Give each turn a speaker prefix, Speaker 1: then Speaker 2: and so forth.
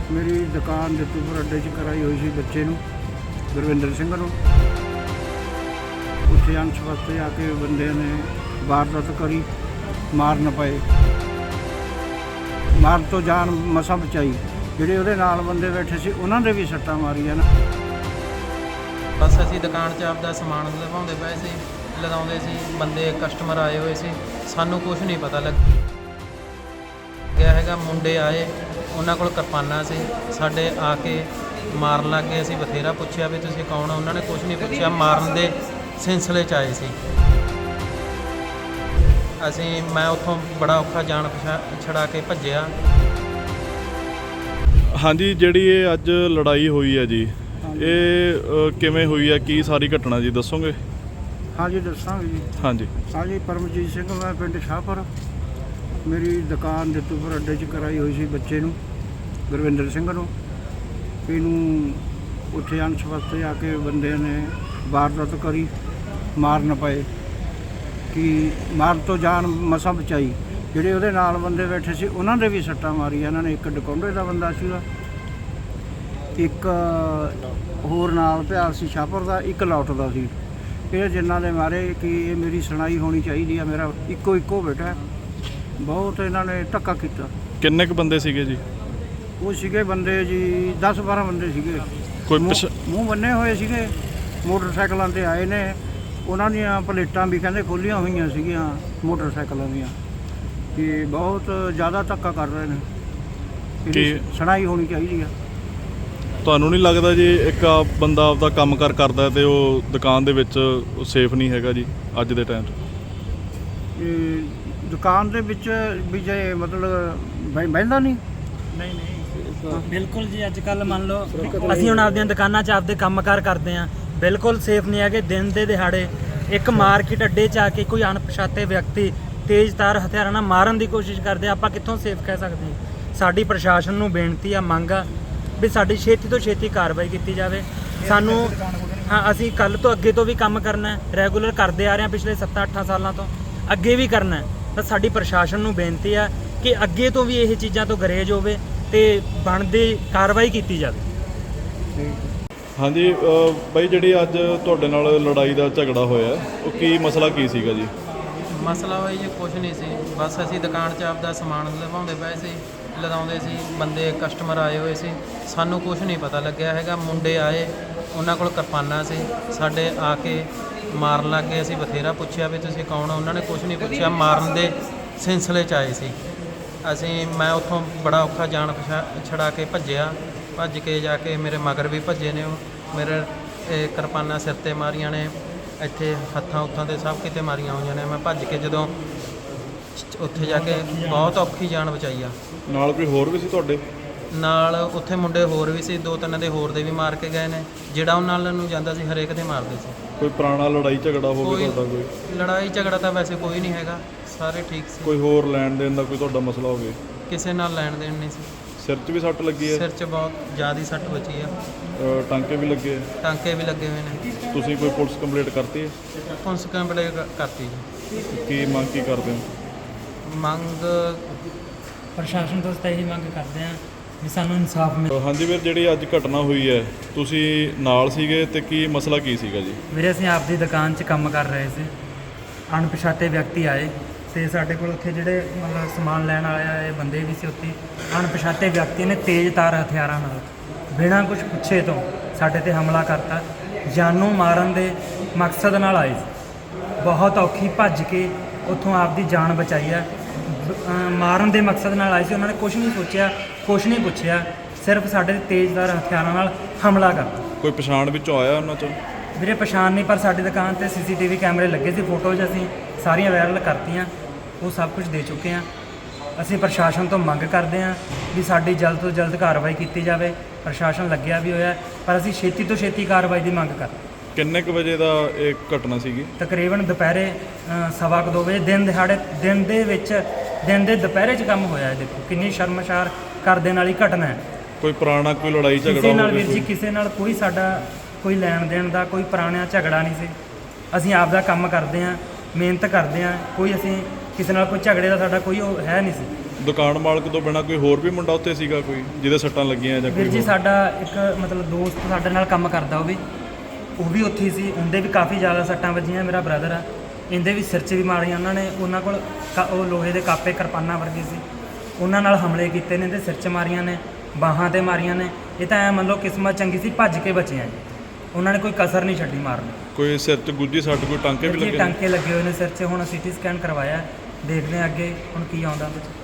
Speaker 1: ਮੇਰੀ ਦੁਕਾਨ ਦਿੱਤੂਪੁਰ ਅੱਡੇ 'ਚ ਕਰਾਈ ਹੋਈ ਸੀ ਬੱਚੇ ਨੂੰ, ਗੁਰਵਿੰਦਰ ਸਿੰਘ ਨੂੰ। ਉੱਥੇ ਅੰਸ਼ ਵਾਸਤੇ ਆ ਕੇ ਬੰਦੇ ਨੇ ਵਾਰਦਾਤ ਕਰੀ, ਮਾਰ ਨਾ ਪਏ। ਮਾਰ ਤੋਂ ਜਾਨ ਮਸਾਂ ਬਚਾਈ। ਜਿਹੜੇ ਉਹਦੇ ਨਾਲ ਬੰਦੇ ਬੈਠੇ ਸੀ ਉਹਨਾਂ ਦੇ ਵੀ ਸੱਟਾਂ ਮਾਰੀਆਂ ਨਾ।
Speaker 2: ਬਸ ਅਸੀਂ ਦੁਕਾਨ 'ਚ ਆਪਦਾ ਸਮਾਨ ਲਵਾਉਂਦੇ ਪਏ ਸੀ, ਲਗਾਉਂਦੇ ਸੀ, ਬੰਦੇ ਕਸਟਮਰ ਆਏ ਹੋਏ ਸੀ। ਸਾਨੂੰ ਕੁਝ ਨਹੀਂ ਪਤਾ ਲੱਗਿਆ ਹੈਗਾ। ਮੁੰਡੇ ਆਏ, ਉਹਨਾਂ ਕੋਲ ਕਿਰਪਾਨਾਂ ਸੀ, ਸਾਡੇ ਆ ਕੇ ਮਾਰਨ ਲੱਗ ਗਏ। ਅਸੀਂ ਬਥੇਰਾ ਪੁੱਛਿਆ ਵੀ ਤੁਸੀਂ ਕੌਣ ਹੋ, ਉਹਨਾਂ ਨੇ ਕੁਝ ਨਹੀਂ ਪੁੱਛਿਆ, ਮਾਰਨ ਦੇ ਸਿਲਸਿਲੇ 'ਚ ਆਏ ਸੀ। ਮੈਂ ਉੱਥੋਂ ਬੜਾ ਔਖਾ ਜਾਨ ਛੜਾ ਕੇ ਭੱਜਿਆ।
Speaker 3: ਹਾਂਜੀ, ਜਿਹੜੀ ਇਹ ਅੱਜ ਲੜਾਈ ਹੋਈ ਹੈ ਜੀ, ਇਹ ਕਿਵੇਂ ਹੋਈ ਹੈ, ਕੀ ਸਾਰੀ ਘਟਨਾ ਜੀ ਦੱਸੋਗੇ?
Speaker 1: ਹਾਂਜੀ ਦੱਸਾਂਗੇ ਜੀ। ਹਾਂਜੀ ਪਰਮਜੀਤ ਸਿੰਘ, ਮੈਂ ਪਿੰਡ ਸ਼ਾਹਪੁਰ। ਮੇਰੀ ਦੁਕਾਨ ਦਿੱਤੂਪੁਰ ਅੱਡੇ 'ਚ ਕਰਾਈ ਹੋਈ ਸੀ ਬੱਚੇ ਨੂੰ, ਗੁਰਵਿੰਦਰ ਸਿੰਘ ਨੂੰ। ਇਹਨੂੰ ਉੱਥੇ ਅੰਸ਼ ਵਾਸਤੇ ਆ ਕੇ ਬੰਦੇ ਨੇ ਵਾਰਦਾਤ ਕਰੀ, ਮਾਰ ਨਾ ਪਏ। ਕਿ ਮਾਰ ਤੋਂ ਜਾਨ ਮਸਾਂ ਬਚਾਈ। ਜਿਹੜੇ ਉਹਦੇ ਨਾਲ ਬੰਦੇ ਬੈਠੇ ਸੀ ਉਹਨਾਂ ਦੇ ਵੀ ਸੱਟਾਂ ਮਾਰੀਆਂ ਇਹਨਾਂ ਨੇ। ਇੱਕ ਡਕੌਂਡੇ ਦਾ ਬੰਦਾ ਸੀਗਾ, ਇੱਕ ਹੋਰ ਨਾਲ ਪਿਆਰ ਸੀ ਸ਼ਾਹਪੁਰ ਦਾ, ਇੱਕ ਲੌਟ ਦਾ ਸੀ। ਇਹ ਜਿਨ੍ਹਾਂ ਦੇ ਮਾਰੇ ਕਿ ਇਹ ਮੇਰੀ ਸੁਣਾਈ ਹੋਣੀ ਚਾਹੀਦੀ ਆ। ਮੇਰਾ ਇੱਕੋ ਬੇਟਾ। ਬਹੁਤ ਇਹਨਾਂ ਨੇ ਧੱਕਾ ਕੀਤਾ।
Speaker 3: ਕਿੰਨੇ ਕੁ ਬੰਦੇ ਸੀਗੇ ਜੀ?
Speaker 1: ਉਹ ਸੀਗੇ ਬੰਦੇ ਜੀ 10-12 ਬੰਦੇ ਸੀਗੇ।
Speaker 3: ਕੋਈ
Speaker 1: ਮੂੰਹ ਬੰਨੇ ਹੋਏ ਸੀਗੇ, ਮੋਟਰਸਾਈਕਲਾਂ 'ਤੇ ਆਏ ਨੇ। ਉਹਨਾਂ ਦੀਆਂ ਪਲੇਟਾਂ ਵੀ ਕਹਿੰਦੇ ਖੋਲ੍ਹੀਆਂ ਹੋਈਆਂ ਸੀਗੀਆਂ ਮੋਟਰਸਾਈਕਲਾਂ ਦੀਆਂ। ਕਿ ਬਹੁਤ ਜ਼ਿਆਦਾ ਧੱਕਾ ਕਰ ਰਹੇ ਨੇ।
Speaker 3: ਕੀ
Speaker 1: ਸੁਣਾਈ ਹੋਣੀ ਚਾਹੀਦੀ ਆ।
Speaker 3: ਤੁਹਾਨੂੰ ਨਹੀਂ ਲੱਗਦਾ ਜੀ ਇੱਕ ਬੰਦਾ ਆਪਦਾ ਕੰਮ ਕਰਦਾ ਤੇ ਉਹ ਦੁਕਾਨ ਦੇ ਵਿੱਚ ਸੇਫ ਨਹੀਂ ਹੈਗਾ ਜੀ ਅੱਜ ਦੇ ਟਾਈਮ 'ਚ?
Speaker 1: ਦੁਕਾਨ ਦੇ ਵਿੱਚ ਵੀ ਜੇ ਮਤਲਬ ਬਹਿੰਦਾ ਨਹੀਂ
Speaker 4: ਬਿਲਕੁਲ ਜੀ। ਅੱਜ ਕੱਲ੍ਹ ਮੰਨ ਲਓ ਅਸੀਂ ਹੁਣ ਆਪਦੀਆਂ ਦੁਕਾਨਾਂ 'ਚ ਆਪਦੇ ਕੰਮਕਾਰ ਕਰਦੇ ਹਾਂ, ਬਿਲਕੁਲ ਸੇਫ ਨਹੀਂ ਹੈਗੇ। ਦਿਨ ਦੇ ਦਿਹਾੜੇ ਇੱਕ ਮਾਰਕੀਟ ਅੱਡੇ 'ਚ ਆ ਕੇ ਕੋਈ ਅਣਪਛਾਤੇ ਵਿਅਕਤੀ ਤੇਜ਼ਧਾਰ ਹਥਿਆਰਾਂ ਨਾਲ ਮਾਰਨ ਦੀ ਕੋਸ਼ਿਸ਼ ਕਰਦੇ, ਆਪਾਂ ਕਿੱਥੋਂ ਸੇਫ ਕਹਿ ਸਕਦੇ ਹਾਂ? ਸਾਡੀ ਪ੍ਰਸ਼ਾਸਨ ਨੂੰ ਬੇਨਤੀ ਆ, ਮੰਗ ਆ ਵੀ ਸਾਡੀ ਛੇਤੀ ਤੋਂ ਛੇਤੀ ਕਾਰਵਾਈ ਕੀਤੀ ਜਾਵੇ। ਸਾਨੂੰ ਅਸੀਂ ਕੱਲ੍ਹ ਤੋਂ ਅੱਗੇ ਤੋਂ ਵੀ ਕੰਮ ਕਰਨਾ ਹੈ, ਰੈਗੂਲਰ ਕਰਦੇ ਆ ਰਹੇ ਹਾਂ ਪਿਛਲੇ 7-8 ਸਾਲਾਂ ਤੋਂ, ਅੱਗੇ ਵੀ ਕਰਨਾ ਹੈ। ਤਾਂ ਸਾਡੀ ਪ੍ਰਸ਼ਾਸਨ ਨੂੰ ਬੇਨਤੀ ਆ ਕਿ ਅੱਗੇ ਤੋਂ ਵੀ ਇਹ ਚੀਜ਼ਾਂ ਤੋਂ ਗਰੇਜ ਹੋਵੇ ਤੇ ਬਣਦੀ ਕਾਰਵਾਈ ਕੀਤੀ ਜਾਵੇ।
Speaker 3: ਹਾਂਜੀ ਬਾਈ, ਜਿਹੜੀ ਅੱਜ ਤੁਹਾਡੇ ਨਾਲ ਲੜਾਈ ਦਾ ਝਗੜਾ ਹੋਇਆ, ਉਹ ਕੀ ਮਸਲਾ ਕੀ ਸੀਗਾ ਜੀ?
Speaker 2: ਮਸਲਾ ਹੋਈ ਜੀ ਕੁਝ ਨਹੀਂ ਸੀ। ਬਸ ਅਸੀਂ ਦੁਕਾਨ 'ਚ ਆਪਦਾ ਸਮਾਨ ਲਵਾਉਂਦੇ ਪਏ ਸੀ, ਲਗਾਉਂਦੇ ਸੀ, ਬੰਦੇ ਕਸਟਮਰ ਆਏ ਹੋਏ ਸੀ। ਸਾਨੂੰ ਕੁਝ ਨਹੀਂ ਪਤਾ ਲੱਗਿਆ ਹੈਗਾ। ਮੁੰਡੇ ਆਏ, ਉਹਨਾਂ ਕੋਲ ਕਿਰਪਾਨਾਂ ਸੀ, ਸਾਡੇ ਆ ਕੇ ਮਾਰਨ ਲੱਗ ਗਏ। ਅਸੀਂ ਬਥੇਰਾ ਪੁੱਛਿਆ ਵੀ ਤੁਸੀਂ ਕੌਣ ਹੋ, ਉਹਨਾਂ ਨੇ ਕੁਝ ਨਹੀਂ ਪੁੱਛਿਆ, ਮਾਰਨ ਦੇ ਸਿਲਸਿਲੇ 'ਚ ਆਏ ਸੀ। ਮੈਂ ਉੱਥੋਂ ਬੜਾ ਔਖਾ ਜਾਨ ਛੜਾ ਕੇ ਭੱਜਿਆ। ਭੱਜ ਕੇ ਜਾ ਕੇ ਮੇਰੇ ਮਗਰ ਵੀ ਭੱਜੇ ਨੇ ਉਹ। ਮੇਰੇ ਕਿਰਪਾਨਾਂ ਸਿਰ 'ਤੇ ਮਾਰੀਆਂ ਨੇ, ਇੱਥੇ ਹੱਥਾਂ ਉੱਥਾਂ 'ਤੇ ਸਭ ਕਿਤੇ ਮਾਰੀਆਂ ਹੋਈਆਂ ਨੇ। ਮੈਂ ਭੱਜ ਕੇ ਜਦੋਂ ਉੱਥੇ ਜਾ ਕੇ ਬਹੁਤ ਔਖੀ ਜਾਨ ਬਚਾਈ ਆ।
Speaker 3: ਨਾਲ ਕੋਈ ਹੋਰ ਵੀ ਸੀ ਤੁਹਾਡੇ
Speaker 2: ਨਾਲ? ਉੱਥੇ ਮੁੰਡੇ ਹੋਰ ਵੀ ਸੀ, 2-3 ਦੇ ਹੋਰ ਦੇ ਵੀ ਮਾਰ ਕੇ ਗਏ ਨੇ। ਜਿਹੜਾ ਉਹਨਾਂ ਨਾਲ ਨੂੰ ਜਾਂਦਾ ਸੀ ਹਰੇਕ ਦੇ ਮਾਰਦੇ ਸੀ।
Speaker 3: ਕੋਈ ਪੁਰਾਣਾ ਲੜਾਈ ਝਗੜਾ ਹੋਵੇ ਤੁਹਾਡਾ? ਕੋਈ
Speaker 2: ਲੜਾਈ ਝਗੜਾ ਤਾਂ ਵੈਸੇ ਕੋਈ ਨਹੀਂ ਹੈਗਾ, ਸਾਰੇ ਠੀਕ ਸੀ।
Speaker 3: ਕੋਈ ਹੋਰ ਲੈਣ ਦੇਣ ਦਾ ਕੋਈ ਤੁਹਾਡਾ ਮਸਲਾ ਹੋਵੇ?
Speaker 2: ਕਿਸੇ ਨਾਲ ਲੈਣ ਦੇਣ ਨਹੀਂ ਸੀ।
Speaker 3: ਸਿਰ 'ਚ ਵੀ ਸੱਟ ਲੱਗੀ ਹੈ?
Speaker 2: ਸਿਰ 'ਚ ਬਹੁਤ ਜ਼ਿਆਦਾ ਸੱਟ ਬਚੀ ਆ।
Speaker 3: ਟਾਂਕੇ ਵੀ ਲੱਗੇ ਆ?
Speaker 2: ਟਾਂਕੇ ਵੀ ਲੱਗੇ ਹੋਏ ਨੇ।
Speaker 3: ਤੁਸੀਂ ਕੋਈ ਪੁਲਿਸ ਕੰਪਲੇਂਟ ਕਰਤੀ ਹੈ?
Speaker 2: ਪੁਲਿਸ ਕੰਪਲੇਂਟ ਕਰਤੀ ਜੀ।
Speaker 3: ਕੀ ਮੰਗ ਕੀ ਕਰਦੇ ਹੋ?
Speaker 2: ਮੰਗ
Speaker 4: ਪ੍ਰਸ਼ਾਸਨ ਤੋਂ ਤਾਂ ਇਹੀ ਮੰਗ ਕਰਦੇ ਹਾਂ ਵੀ ਸਾਨੂੰ ਇਨਸਾਫ ਮਿਲੇ।
Speaker 3: ਹਾਂਜੀ ਵੀਰ, ਜਿਹੜੀ ਅੱਜ ਘਟਨਾ ਹੋਈ ਹੈ, ਤੁਸੀਂ ਨਾਲ ਸੀਗੇ ਤੇ ਕੀ ਮਸਲਾ ਕੀ ਸੀਗਾ ਜੀ?
Speaker 4: ਵੀਰੇ ਅਸੀਂ ਆਪਦੀ ਦੁਕਾਨ 'ਚ ਕੰਮ ਕਰ ਰਹੇ ਸੀ, ਅਣਪਛਾਤੇ ਵਿਅਕਤੀ ਆਏ ਤੇ ਸਾਡੇ ਕੋਲ ਉੱਥੇ ਜਿਹੜੇ ਮਤਲਬ ਸਮਾਨ ਲੈਣ ਆਏ ਬੰਦੇ ਵੀ ਸੀ। ਉੱਥੇ ਅਣਪਛਾਤੇ ਵਿਅਕਤੀ ਨੇ ਤੇਜ਼ਧਾਰ ਹਥਿਆਰਾਂ ਨਾਲ ਬਿਨਾਂ ਕੁਝ ਪੁੱਛੇ ਤੋਂ ਸਾਡੇ ਤੇ ਹਮਲਾ ਕਰਤਾ। ਜਾਨੋਂ ਮਾਰਨ ਦੇ ਮਕਸਦ ਨਾਲ ਆਏ ਸੀ। ਬਹੁਤ ਔਖੀ ਭੱਜ ਕੇ ਉੱਥੋਂ ਆਪਦੀ ਜਾਨ ਬਚਾਈ ਆ। ਮਾਰਨ ਦੇ ਮਕਸਦ ਨਾਲ ਆਏ ਸੀ। ਉਹਨਾਂ ਨੇ ਕੁਝ ਨਹੀਂ ਸੋਚਿਆ, ਕੁਝ ਨਹੀਂ ਪੁੱਛਿਆ, ਸਿਰਫ ਸਾਡੇ ਤੇਜ਼ਧਾਰ ਹਥਿਆਰਾਂ ਨਾਲ ਹਮਲਾ ਕਰਤਾ।
Speaker 3: ਕੋਈ ਪਛਾਣ ਵਿੱਚੋਂ ਆਇਆ ਉਹਨਾਂ 'ਚੋਂ?
Speaker 4: ਵੀਰੇ ਪਛਾਣ ਨਹੀਂ, ਪਰ ਸਾਡੀ ਦੁਕਾਨ ਤੇ CCTV ਕੈਮਰੇ ਲੱਗੇ ਸੀ। ਫੋਟੋਜ਼ ਅਸੀਂ ਸਾਰੀਆਂ ਵਾਇਰਲ ਕਰਤੀਆਂ, ਉਹ ਸਭ ਕੁਝ ਦੇ ਚੁੱਕੇ ਹਾਂ। ਅਸੀਂ ਪ੍ਰਸ਼ਾਸਨ ਤੋਂ ਮੰਗ ਕਰਦੇ ਹਾਂ ਵੀ ਸਾਡੀ ਜਲਦ ਤੋਂ ਜਲਦ ਕਾਰਵਾਈ ਕੀਤੀ ਜਾਵੇ। ਪ੍ਰਸ਼ਾਸਨ ਲੱਗਿਆ ਵੀ ਹੋਇਆ, ਪਰ ਅਸੀਂ ਛੇਤੀ ਤੋਂ ਛੇਤੀ ਕਾਰਵਾਈ ਦੀ ਮੰਗ ਕਰਦੇ।
Speaker 3: ਕਿੰਨੇ ਕੁ ਵਜੇ ਦਾ ਇਹ ਘਟਨਾ ਸੀਗੀ?
Speaker 4: ਤਕਰੀਬਨ ਦੁਪਹਿਰੇ 2:15 ਵਜੇ। ਦਿਨ ਦਿਹਾੜੇ, ਦਿਨ ਦੇ ਦੁਪਹਿਰੇ 'ਚ ਕੰਮ ਹੋਇਆ। ਦੇਖੋ ਕਿੰਨੀ ਸ਼ਰਮਸਾਰ ਕਰ ਦੇਣ ਵਾਲੀ ਘਟਨਾ ਹੈ।
Speaker 3: ਕੋਈ ਪੁਰਾਣਾ ਕੋਈ ਲੜਾਈ ਝਗੜਾ
Speaker 4: ਕਿਸੇ ਨਾਲ ਵੀਰ ਜੀ, ਕਿਸੇ ਨਾਲ ਕੋਈ ਸਾਡਾ ਕੋਈ ਲੈਣ ਦੇਣ ਦਾ ਕੋਈ ਪੁਰਾਣਾ ਝਗੜਾ ਨਹੀਂ ਸੀ। ਅਸੀਂ ਆਪ ਦਾ ਕੰਮ ਕਰਦੇ ਹਾਂ, ਮਿਹਨਤ ਕਰਦੇ ਹਾਂ। ਕੋਈ ਅਸੀਂ ਕਿਸੇ ਨਾਲ ਕੋਈ ਝਗੜੇ ਦਾ ਸਾਡਾ ਕੋਈ ਉਹ ਹੈ ਨਹੀਂ ਸੀ।
Speaker 3: ਦੁਕਾਨ ਮਾਲਕ ਤੋਂ ਬਿਨਾਂ ਕੋਈ ਹੋਰ ਵੀ ਮੁੰਡਾ ਉੱਥੇ ਸੀਗਾ ਕੋਈ ਜਿਹਦੇ ਸੱਟਾਂ ਲੱਗੀਆਂ ਜਾਂ
Speaker 4: ਵੀਰ
Speaker 3: ਕੋਈ
Speaker 4: ਜੀ
Speaker 3: ਹੋਰ?
Speaker 4: ਸਾਡਾ ਇੱਕ ਮਤਲਬ ਦੋਸਤ ਸਾਡੇ ਨਾਲ ਕੰਮ ਕਰਦਾ ਉਹ ਵੀ ਉੱਥੇ ਹੀ ਸੀ। ਉਹਦੇ ਵੀ ਕਾਫੀ ਜ਼ਿਆਦਾ ਸੱਟਾਂ ਵੱਜੀਆਂ। ਮੇਰਾ ਬ੍ਰਦਰ ਆ, ਇਹਦੇ ਵੀ ਸਿਰ 'ਚ ਵੀ ਮਾਰੀਆਂ ਉਹਨਾਂ ਨੇ। ਉਹਨਾਂ ਕੋਲ ਉਹ ਲੋਹੇ ਦੇ ਕਾਪੇ ਕਿਰਪਾਨਾਂ ਵਰਗੇ ਸੀ, ਉਹਨਾਂ ਨਾਲ ਹਮਲੇ ਕੀਤੇ ਨੇ। ਇਹਦੇ ਸਿਰ 'ਚ ਮਾਰੀਆਂ ਨੇ, ਬਾਹਾਂ ਤੇ ਮਾਰੀਆਂ ਨੇ। ਇਹ ਤਾਂ ਐਂ ਮੰਨ ਲਓ ਕਿਸਮਤ ਚੰਗੀ ਸੀ, ਭੱਜ ਕੇ ਬਚੇ ਆ ਜੀ। ਉਹਨਾਂ ਨੇ ਕੋਈ ਕਸਰ ਨਹੀਂ ਛੱਡੀ ਮਾਰਨ।
Speaker 3: ਕੋਈ ਸਿਰ 'ਚ ਗੁੱਜੀ ਸੱਟ, ਕੋਈ ਟਾਂਕੇ ਵੀ
Speaker 4: ਜੀ
Speaker 3: ਲੱਗੇ?
Speaker 4: ਟਾਂਕੇ ਲੱਗੇ ਹੋਏ ਨੇ ਸਿਰ 'ਚ। ਹੁਣ CT ਸਕੈਨ ਕਰਵਾਇਆ, ਦੇਖਦੇ ਹਾਂ ਅੱਗੇ ਹੁਣ ਕੀ ਆਉਂਦਾ ਵਿੱਚ।